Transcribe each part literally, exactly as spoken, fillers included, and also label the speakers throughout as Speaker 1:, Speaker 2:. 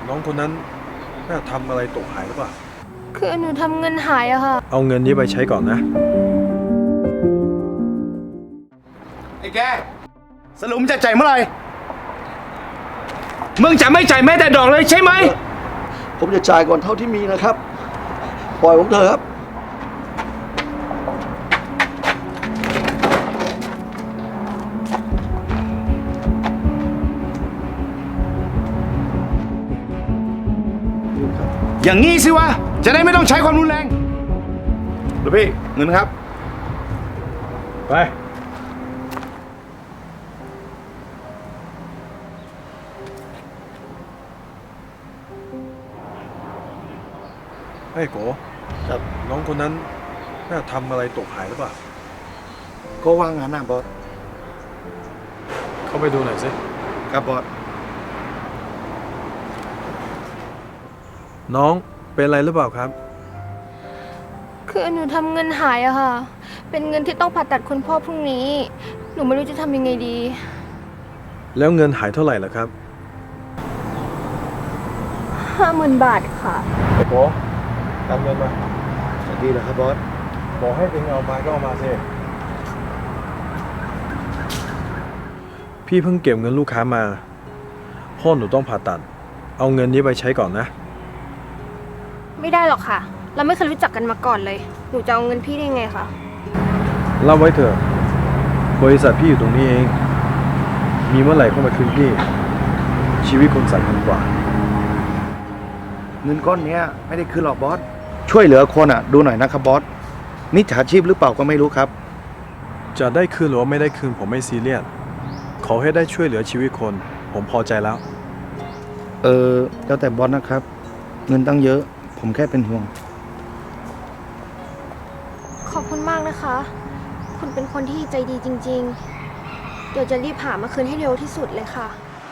Speaker 1: น้องคนนั้นน่าทำอะไรตกหายหรือเปล่า
Speaker 2: คือหนูทำเงินหายอะค่ะ
Speaker 1: เอาเงินนี้ไปใช้ก่อนนะ
Speaker 3: ไอ้แกสรุปจะจ่ายเมื่อไหร่มึงจะไม่จ่ายแม้แต่ดอกเลยใช่ไหม
Speaker 4: ผมจะจ่ายก่อนเท่าที่มีนะครับ ปล่อยผมเถอะครับ
Speaker 3: อย่างงี้สิวะจะได้ไม่ต้องใช้ความรุนแรงหรือพี่เงินครับ
Speaker 1: ไปไอ้โก
Speaker 4: ครับ
Speaker 1: น้องคนนั้นน่าทำอะไรตกหายหรือเปล่า
Speaker 3: ก็ว่างงานนะบอส
Speaker 1: เข้าไปดูหน่อยสิ
Speaker 3: ครับบอส
Speaker 1: น้องเป็นอะไรหรือเปล่าครับ
Speaker 2: คือหนูทำเงินหายอะค่ะ เป็นเงินที่ต้องผ่าตัดคุณพ่อพรุ่งนี้ หนูไม่รู้จะทำยังไงดี
Speaker 1: แล้วเงินหายเท่าไหร่ล่ะครับ
Speaker 2: ห้าหมื่นบาทค่ะ
Speaker 1: ไอ้โกตามเงินมา
Speaker 3: ดีเหรอครับบอส
Speaker 1: บอกให้เองเอามาก็เอามาสิพี่เพิ่งเก็บเงินลูกค้ามาพ่อหนูต้องผ่าตัดเอาเงินนี้ไปใช้ก่อนนะ
Speaker 2: ไม่ได้หรอกค่ะ เราไม่เคยรู้จักกันมาก่อนเลย หนูจะเอาเงินพี่ได้ไงคะ
Speaker 1: เล่าไว้เถอะบริษัทพี่อยู่ตรงนี้เองมีเมื่อไหร่เข้ามาคืนพี่ชีวิตคนสำคัญกว่า
Speaker 3: เงินก้อนนี้ไม่ได้คืนหรอกบอสช่วยเหลือคนอ่ะดูหน่อยนะครับบอสมิจฉาชีพหรือเปล่าก็ไม่รู้ครับ
Speaker 1: จะได้คืนหรือว่าไม่ได้คืนผมไม่ซีเรียสขอให้ได้ช่วยเหลือชีวิตคนผมพอใจแล้ว
Speaker 3: เออแล้วแต่บอสนะครับเงินตั้งเยอะผมแค่เป็นห่วง
Speaker 2: ขอบคุณมากนะคะ คุณเป็นคนที่ใจดีจริงๆ เดี๋ยวจะรีบหามาคืนให้เร็วที่สุดเลยค่ะ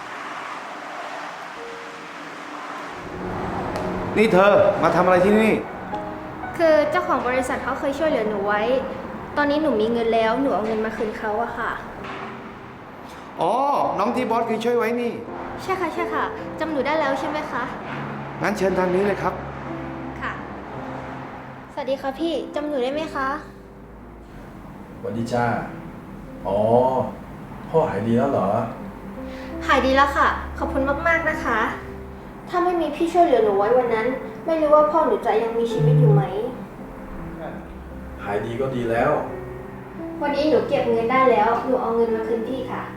Speaker 3: นี่เธอมาทำอะไรที่นี่
Speaker 2: คือเจ้าของบริษัทเขาเคยช่วยเหลือหนูไว้ตอนนี้หนูมีเงินแล้วหนูเอาเงินมาคืนเขาอะค่ะ
Speaker 3: อ๋อน้องที่บอสเคยช่วยไว้นี่
Speaker 2: ใช่ค่ะใช่ค่ะจำหนูได้แล้วใช่ไหมคะ
Speaker 3: งั้นเชิญทางนี้เลยครับ
Speaker 2: ค่ะสวัสดีค่ะพี่จำหนูได้ไหมคะ
Speaker 1: สวัสดีจ้าอ๋อพ่อหายดีแล้วเหรอ
Speaker 2: หายดีแล้วค่ะขอบคุณมากๆนะคะถ้าไม่มีพี่ช่วยเหลือหนูไว้วันนั้นไม่รู้ว่าพ่อหนูจะยังมีชีวิตอยู่ไหม
Speaker 1: หายดีก็ดีแล้ว
Speaker 2: วันนี้หนูเก็บเงินได้แล้วหนูเอาเงินมาคืนพี่ค่ะ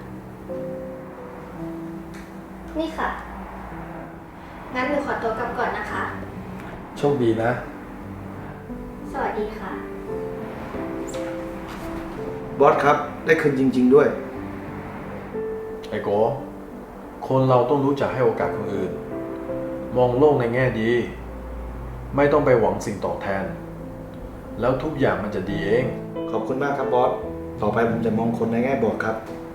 Speaker 2: นี่ค่ะงั้นหนูขอตัวกลับก่อนนะคะ
Speaker 1: โชคดีนะ
Speaker 2: สวัสดีค่ะ
Speaker 3: บอสครับได้คืนจริงๆด้วย
Speaker 1: ไอ้โกคนเราต้องรู้จักให้โอกาสคนอื่นมองโลกในแง่ดีไม่ต้องไปหวังสิ่งตอบแทนแล้วทุกอย่างมันจะดีเอง
Speaker 3: ขอบคุณมากครับบอสต่อไปผมจะมองคนในแง่บวกครับ